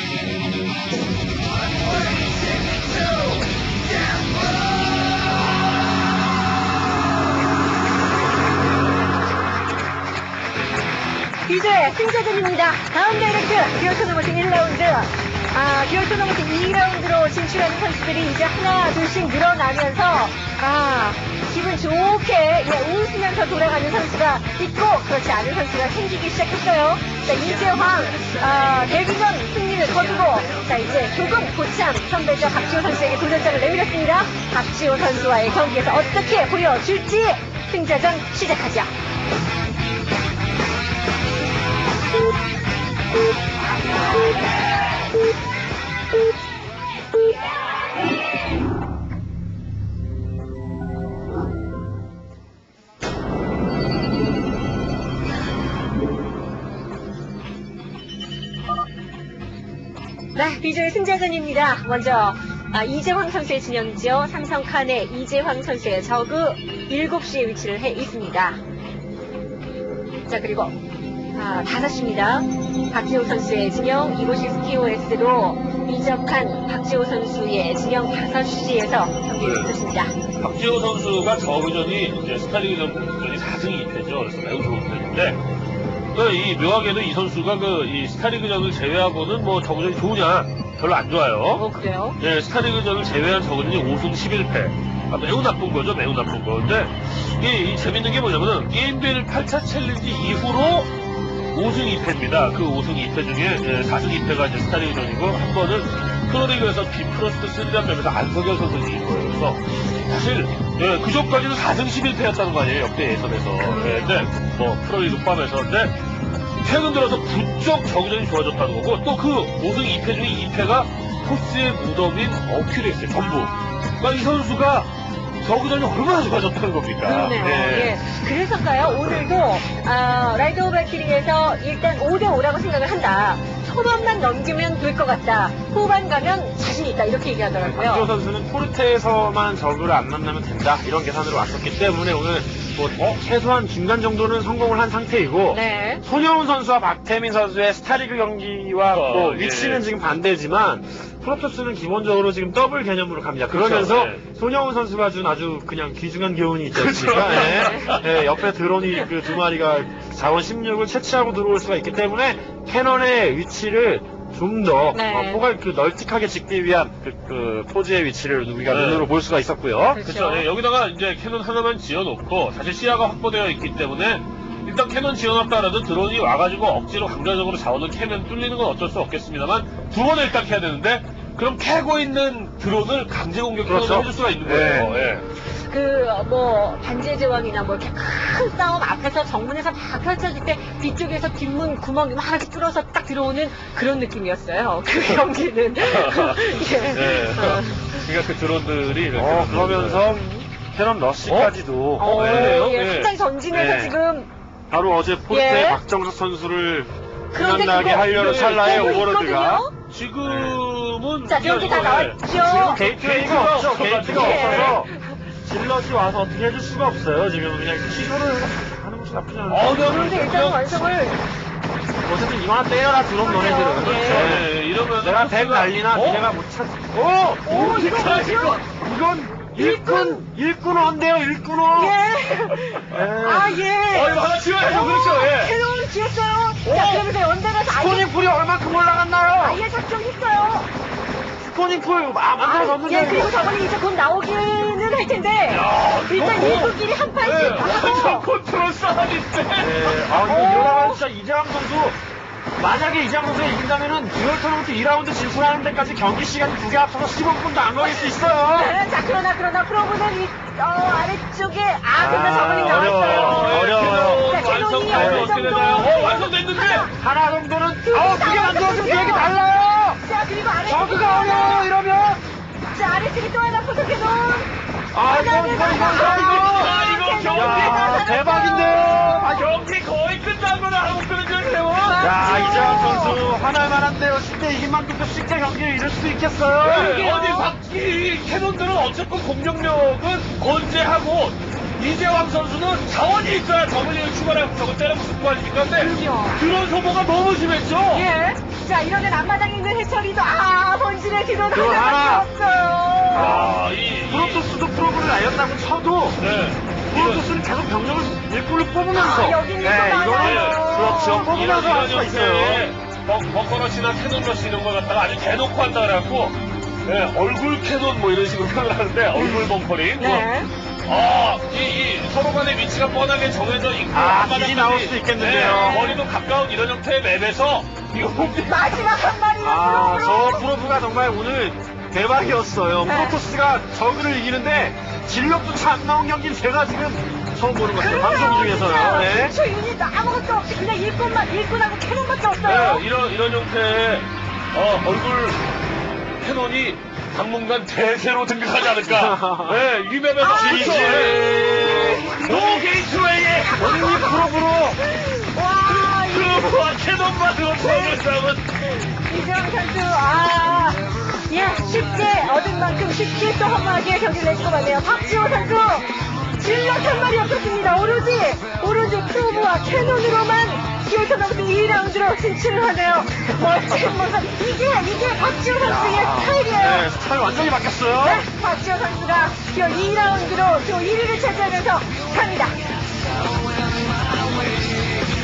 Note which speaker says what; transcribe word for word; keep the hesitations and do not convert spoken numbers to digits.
Speaker 1: 이제 승자전입니다. 다음 다이렉트 듀얼 토너먼트 일 라운드. 아, 듀얼 토너먼트 이 라운드로 진출하는 선수들이 이제 하나, 둘씩 늘어나면서, 아, 기분 좋게, 예, 웃으면서 돌아가는 선수가 있고, 그렇지 않은 선수가 생기기 시작했어요. 자, 이재황, 아, 데뷔전 승리를 거두고, 자, 이제 조금 고참 선배죠. 박지호 선수에게 도전장을 내밀었습니다. 박지호 선수와의 경기에서 어떻게 보여줄지, 승자전 시작하죠. 네, 비조의 승자전입니다. 먼저 아, 이재황 선수의 진영이죠. 삼성칸의 이재황 선수의 저그 일곱 시에 위치를 해 있습니다. 자, 그리고 아, 다섯 시입니다. 박지호 선수의 진영, 이곳이 스티오에스로 이적한 박지호 선수의 진영 다섯 시에서 경기를 펼쳤습니다.
Speaker 2: 네. 박지호 선수가 저그전이 이제 스타리그전이 사 승 이 패죠. 그래서 매우 좋은 편인데, 그 이 묘하게도 이 선수가 그 이 스타리그전을 제외하고는 뭐 저그전이 좋으냐? 별로 안 좋아요.
Speaker 1: 어, 그래요?
Speaker 2: 예, 스타리그전을 제외한 저그전이 오 승 십일 패. 아, 매우 나쁜 거죠, 매우 나쁜 거. 근데 이, 이 재밌는 게 뭐냐면은 게임빌 팔 차 챌린지 이후로 오 승 이 패입니다. 그 오 승 이 패 중에 예, 사 승 이 패가 이제 스타리그전이고, 한 번은 프로리그에서 비프로스트 쓰리라는 점에서 안석열 선수 이긴 거예요. 그래서 사실 예, 그 전까지는 사 승 십일 패였다는 거 아니에요, 역대 예선에서. 예, 근데 뭐 프로리그 포함해서. 근데 최근 들어서 부쩍 저그전이 좋아졌다는 거고, 또 그 오 승 이 패 중에 이 패가 토스의 무덤인 어큐리스의 전부. 그러니까 이 선수가 저그전이 얼마나 좋아졌다는 겁니까?
Speaker 1: 그러네요. 예. 예. 그래서인가요? 오늘도 아, 라이트 오브 발키리에서 일단 오 대 오라고 생각을 한다. 초반만 넘기면 될 것 같다. 후반 가면 자신 있다. 이렇게 얘기하더라고요.
Speaker 3: 박지호 선수는 포르테에서만 저그를 안 만나면 된다. 이런 계산으로 왔었기 때문에 오늘 뭐 어? 최소한 중간 정도는 성공을 한 상태이고,
Speaker 1: 네.
Speaker 3: 손영훈 선수와 박태민 선수의 스타리그 경기와
Speaker 2: 어,
Speaker 3: 뭐
Speaker 2: 예.
Speaker 3: 위치는 지금 반대지만 프로토스는 기본적으로 지금 더블 개념으로 갑니다. 그러면서
Speaker 2: 그렇죠, 예.
Speaker 3: 손영훈 선수가 준 아주 그냥 귀중한 교훈이 있지 않습니까? 예. 예, 옆에 드론이 그 두 마리가 자원 십육을 채취하고 들어올 수가 있기 때문에 캐논의 위치를 좀 더
Speaker 1: 네.
Speaker 3: 어, 포괄 그 널찍하게 짓기 위한 그, 그 포즈의 위치를 우리가
Speaker 2: 네.
Speaker 3: 눈으로 볼 수가 있었고요.
Speaker 2: 그렇죠. 예, 여기다가 이제 캐논 하나만 지어놓고, 사실 시야가 확보되어 있기 때문에 일단 캐논 지어놨다라도 드론이 와가지고 억지로 강제적으로 자원을 캐면 뚫리는 건 어쩔 수 없겠습니다만, 두 번을 일단 캐야 되는데, 그럼 캐고 있는 드론을 강제 공격
Speaker 3: 그렇죠.
Speaker 2: 해줄 수가 있는 거예요. 예.
Speaker 1: 그, 뭐, 반지의 제왕이나 뭐, 이렇게 큰 싸움 앞에서 정문에서 막 펼쳐질 때 뒤쪽에서 뒷문 구멍이 막 이렇게 뚫어서 딱 들어오는 그런 느낌이었어요. 그 경기는. 예.
Speaker 2: 네.
Speaker 1: 어.
Speaker 2: 그러니까 그 드론들이 이렇게.
Speaker 3: 어, 그러면서 캐논 러시까지도
Speaker 1: 어,
Speaker 2: 네,
Speaker 1: 예,
Speaker 2: 네.
Speaker 1: 상당히 전진해서
Speaker 3: 네.
Speaker 1: 지금.
Speaker 3: 바로 어제 포르테
Speaker 1: 예.
Speaker 3: 박정석 선수를
Speaker 1: 그런데
Speaker 3: 생각나게
Speaker 1: 그거
Speaker 3: 하려는
Speaker 2: 네,
Speaker 3: 찰나에
Speaker 1: 보고
Speaker 3: 오버로드가
Speaker 1: 있거든요?
Speaker 2: 지금은.
Speaker 1: 자, 경기 다
Speaker 2: 예.
Speaker 1: 나왔죠?
Speaker 3: 지금 게이트웨이가 없죠. 게이트가
Speaker 1: 예.
Speaker 3: 없어서 질럿이 와서 어떻게 해줄 수가 없어요. 지금 그냥 취소를 하는 것이 나쁘지 않아요.
Speaker 2: 어, 네,
Speaker 1: 그런데 일단 완성을.
Speaker 3: 어쨌든 이만 때려라 들어온 너네들은.
Speaker 1: 예.
Speaker 3: 그렇죠.
Speaker 2: 네, 이러면.
Speaker 3: 내가 백 날리나
Speaker 2: 어?
Speaker 3: 내가 못 찾. 오!
Speaker 1: 오, 이거
Speaker 2: 자,
Speaker 1: 뭐죠?
Speaker 2: 이거.
Speaker 3: 이건 일꾼 일꾼원데요 일꾼원.
Speaker 1: 예.
Speaker 3: 예.
Speaker 1: 아, 예.
Speaker 2: 어, 이거 하나 지워야죠. 그렇죠. 예.
Speaker 1: 캐논을 지었어요. 자, 그러면서 연달아서 아예,
Speaker 3: 스포닝 풀이 얼마큼 올라갔나요?
Speaker 1: 아예 작정했어요.
Speaker 3: 스포닝 풀 아, 만들어졌는데.
Speaker 1: 예, 그리고 저번에 이제 곧 나오기는 할 텐데.
Speaker 2: 야,
Speaker 1: 일단
Speaker 2: 이거
Speaker 1: 일꾼끼리 한 판씩
Speaker 2: 네, 완전
Speaker 1: 하고.
Speaker 2: 컨트롤 싸움인데.
Speaker 3: 네, 아, 이거
Speaker 1: 오.
Speaker 3: 이러다가 진짜 이재왕 선수, 만약에 이재왕 선수가 이긴다면은 듀얼 토너먼트 이 라운드 진출하는 데까지 경기 시간이 두 개 합쳐서 십오 분도 안 걸릴 수 있어요.
Speaker 1: 네, 자, 그러나, 그러나, 프로브는 이, 어, 아래쪽에, 아, 근데
Speaker 3: 아,
Speaker 1: 저번에 나왔어요.
Speaker 3: 어려워요. 어려워요.
Speaker 1: 자, 캐논이
Speaker 2: 완성되면
Speaker 1: 어느
Speaker 2: 어떻게
Speaker 1: 정도.
Speaker 2: 되나요? 어, 완성됐는데?
Speaker 3: 하나 정도는,
Speaker 1: 두
Speaker 3: 아,
Speaker 1: 개
Speaker 3: 그게 안 들어주면
Speaker 1: 나왔어요.
Speaker 3: 되게 달라요.
Speaker 1: 자, 그리고 아래쪽에.
Speaker 3: 저그가 어려워, 이러면.
Speaker 1: 자, 아래쪽에 또 하나 포토 캐논.
Speaker 3: 아, 이거, 이거, 이거, 이거,
Speaker 2: 아,
Speaker 3: 이거.
Speaker 2: 이거 경기.
Speaker 3: 야, 대박인데요.
Speaker 2: 아, 경기 거의 끝난 거나 하고 끊어졌네요.
Speaker 3: 야, 이재왕 선수, 하나만 한데요. 쉽게 이긴 만큼 또 쉽게 경기를 이룰 수 있겠어요.
Speaker 2: 네, 어디 박기 캐논들은 어쨌건 공격력은 건재하고, 이재왕 선수는 자원이 있어야 저글링을 추가하고 저걸 때려붙을 거 아닙니까? 근데
Speaker 1: 그럼요.
Speaker 2: 그런 소모가 너무 심했죠?
Speaker 1: 예. 자, 이러면 앞마당에 있는 해철이도, 아, 번진의 뒤로
Speaker 3: 그거 하나.
Speaker 1: 하나밖에 없어요.
Speaker 2: 아, 이,
Speaker 3: 프로토스도 프로브를 날렸다고 쳐도
Speaker 2: 네.
Speaker 3: 프로토스는 계속 병력을 일꾼을 뽑으면서
Speaker 1: 아, 여기는 또
Speaker 3: 네,
Speaker 1: 많아요.
Speaker 3: 이거는 그렇죠. 뽑으면서 할 수가 있어요.
Speaker 2: 벙커러시나 캐논러시 이런 걸 갖다가 아주 대놓고 한다 그래갖고, 네, 얼굴 캐논 뭐 이런 식으로 표현을 하는데, 얼굴 벙커링.
Speaker 1: 네.
Speaker 2: 아, 이, 이, 서로 간의 위치가 뻔하게 정해져 있고,
Speaker 3: 아,
Speaker 2: 앞마당까지,
Speaker 3: 길이 나올 수도 있겠는데요.
Speaker 2: 네, 거리도 가까운 이런 형태의 맵에서, 이거
Speaker 1: 마지막 한 마리는
Speaker 3: 아,
Speaker 1: 프로브로.
Speaker 3: 저 프로브가 정말 오늘 대박이었어요.
Speaker 1: 네.
Speaker 3: 프로토스가 저그를 이기는데 진력도 차 안 나온 경기는 제가 지금 처음 보는 것 같아요. 방송 중에서요. 네.
Speaker 1: 저 유닛 아무것도 없이 그냥 일꾼만, 일꾼하고 캐논밖에 없어요.
Speaker 2: 네, 이런, 이런 형태의, 어, 얼굴 캐논이 당분간 대세로 등극하지 않을까. 네, 이 맵에서
Speaker 1: 아,
Speaker 2: 그렇죠.
Speaker 3: 이제
Speaker 2: 네. 노 게이트웨이의
Speaker 3: 언니 프로브로
Speaker 1: 와, 이
Speaker 2: 프로브와 캐논만으로 도움을 싸움은
Speaker 1: 이재영 선수, 아, 예, 쉽게 얻은 만큼 쉽게 또 허무하게 경기를 내주고 가네요. 박지호 선수, 질럿 한 마리 없었습니다. 오로지, 오로지 프로브와 캐논으로만 기어서 넘어서 이 라운드로 진출을 하네요. 멋진 모습. 이게, 이게 박지호 선수의 스타일이에요.
Speaker 3: 네, 스타일 완전히 바뀌었어요.
Speaker 1: 네, 박지호 선수가 기어 이 라운드로 또 일 위를 차지하면서 갑니다.